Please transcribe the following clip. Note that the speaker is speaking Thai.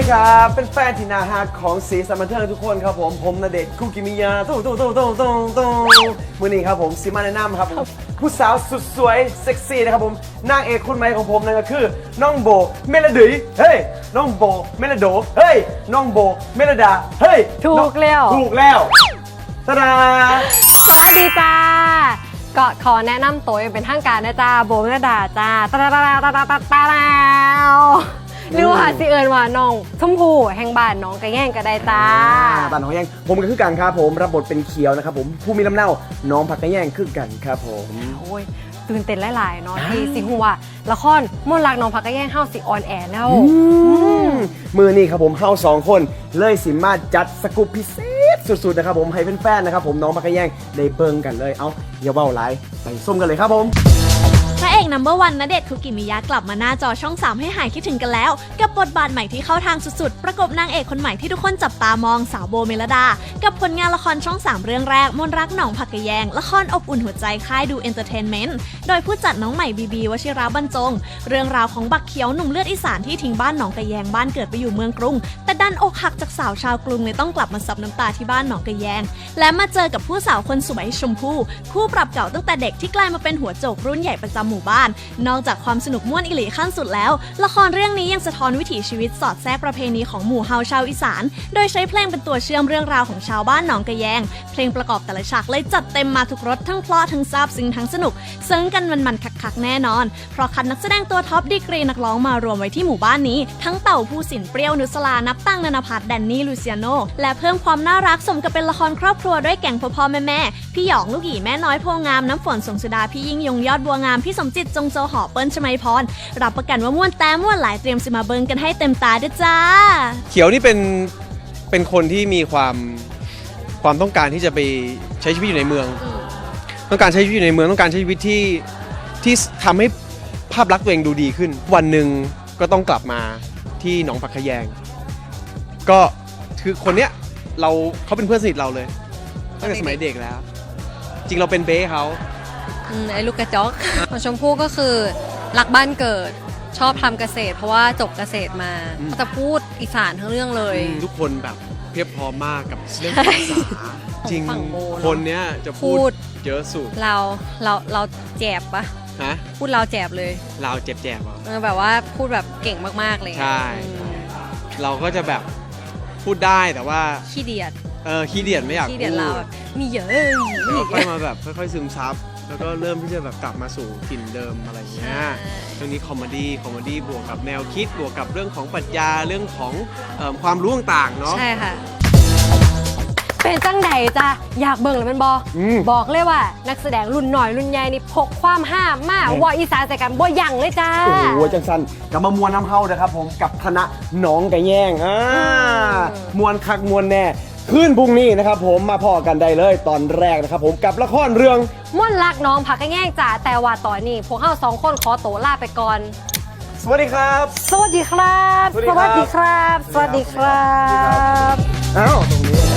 ครับเป็นแฟนที่น่าฮักของสีสันบันเทิงทุกคนครับผมณเดชน์คุกิมิยะตู้มือนี้ครับผมซิมาแนะนำครับผมผู้สาวสุดสวยเซ็กซี่นะครับผมนางเอกคนใหม่ของผมนั่นก็คือน้องโบเมลดีเฮ้ยน้องโบเมลโดเฮ้ยน้องโบเมลดาเฮ้ยถูกแล้วตาดาสวัสดีจ้าก็ขอแนะนำตัวอย่างเป็นทางการนะจ้าโบเมลดาจ้าตาหรือว่าสิเอิญว่าน้องชมพู่แห่งบ้านน้องกระแย่งก็ได้จ้าบ้านน้องแย่งผมก็คือกันครับผมรับบทเป็นเขียวนะครับผมผู้มีลำเนาน้องผักกระแย่งคือกันครับผมโอ้ยตื่นเต้นหลายๆเนาะที่สิหัวละครมนต์รักน้องผักกระแย่งเฮาสิออนแอร์แล้วมือนี่ครับผมเฮา2 คนเลยสิมาจัดสกู๊ปพิเศษสุดๆนะครับผมให้แฟนๆนะครับผมน้องผักกระแย่งได้เบิ่งกันเลยเอาอย่าเว้าหลายไปส้มกันเลยครับผมพระเอกNo.1 ณเดชน์คุกิมิยะกลับมาหน้าจอช่อง 3ให้หายคิดถึงกันแล้วกับบทบาทใหม่ที่เข้าทางสุดๆประกบนางเอกคนใหม่ที่ทุกคนจับตามองสาวโบเมลดากับผลงานละครช่อง 3เรื่องแรกมนต์รักหนองผักกะแยงละครอบอุ่นหัวใจค่ายดูเอนเตอร์เทนเมนต์โดยผู้จัดน้องใหม่บีวชิราบรรจงเรื่องราวของบักเขียวหนุ่มเลือดอีสานที่ทิ้งบ้านหนองกะแยงบ้านเกิดไปอยู่เมืองกรุงแต่ดันอกหักจากสาวชาวกรุงเลยต้องกลับมาซับน้ำตาที่บ้านหนองกะแยงและมาเจอกับผู้สาวคนสวยชมพู่คู่ปรับเก่าตั้งแต่เด็กที่กลายมาเป็นหัวโจกรุ่นใหญ่ประจำหมู่บ้านนอกจากความสนุกม่วนอิหลีขั้นสุดแล้วละครเรื่องนี้ยังสะท้อนวิถีชีวิตสอดแทรกประเพณีของหมู่เฮาชาวอีสานโดยใช้เพลงเป็นตัวเชื่อมเรื่องราวของชาวบ้านหนองกะแยงเพลงประกอบแต่ละฉากเลยจัดเต็มมาทุกรสทั้งเพลาะทั้งซาบซึ้งทั้งสนุกซึ้งกันมันๆคักๆแน่นอนเพราะคัดนักแสดงตัวท็อปดีกรีนักร้องมารวมไว้ที่หมู่บ้านนี้ทั้งเต่าผู้สินเปรี้ยวนุสลานับตั้งนานาพัฒน์แดนนี่ลูเซียโนและเพิ่มความน่ารักสมกับเป็นละครครอบครัวด้วยแก่งพ่อแม่พี่หยองลูกหยีแม่น้อยโพงามน้ำฝนสงสุดาพี่ยิ่งยงยอดบัวงามพี่สมจิตจงโจหอเปิ้ลชมัยพรรับประกันว่าม่วนแต่ม่วนหลายเตรียมสิมาเบิงกันให้เต็มตาด้วยจ้าเขียวนี่เป็นคนที่มีความต้องการที่จะไปใช้ชีวิตอยู่ในเมืองต้องการใช้ชีวิตอยู่ในเมืองต้องการใช้ชีวิตที่ทำให้ภาพลักษณ์ตัวเองดูดีขึ้นวันหนึ่งก็ต้องกลับมาที่หนองผักกะแยงก็คือคนเนี้ยเขาเป็นเพื่อนสนิทเราเลยตั้งแต่สมัยเด็กแล้วจริงเราเป็นเบ้เขาไอ้ลูกกระจอกของชมพู่ก็คือรักบ้านเกิดชอบทำเกษตรเพราะว่าจบเกษตรมาจะพูดอีสานทั้งเรื่องเลยทุกคนแบบเพียบพร้อมมากกับเรื่องภาษาจริงคนเนี้ยจะพูดเยอะสุดเราแจบปะพูดเราแจบเลยเราแจบแบบว่าพูดแบบเก่งมากๆเลยใช่เราก็จะแบบพูดได้แต่ว่าขี้เดียดขี้เดียดไม่อยากพูดเราแบบมีเยอะแล้วค่อยมาแบบค่อยๆซึมซับแล้วก็เริ่มที่จะแบบกลับมาสู่ถิ่นเดิมอะไรเงี้ยเรื่องนี้คอมเมดี้บวกกับแนวคิดบวกกับเรื่องของปรัชญาเรื่องของความรู้ต่างๆเนาะใช่ค่ะเป็นจังใดจ้ะอยากเบิ่งเลยมันบอกเลยว่านักแสดงรุ่นหน่อยรุ่นใหญ่นี่พกความห้ามมากว่าอีสานใส่กันบ่ยั่งเลยจ้าโอ้โหจังสันกับมามวนน้ำเฮานะครับผมกับคณะหนองกะแยงมวนคักมวนแน่คืนพรุ่งนี้นะครับผมมาพอกันได้เลยตอนแรกนะครับผมกับละครเรื่องม่วนรักน้องผักกะแยงจ้าแต่ว่าตอนนี้พวกเฮา2 คนขอตัวลาไปก่อนสวัสดีครับสวัสดีครับสวัสดีครับสวัสดีครับอ้าวตรงนี้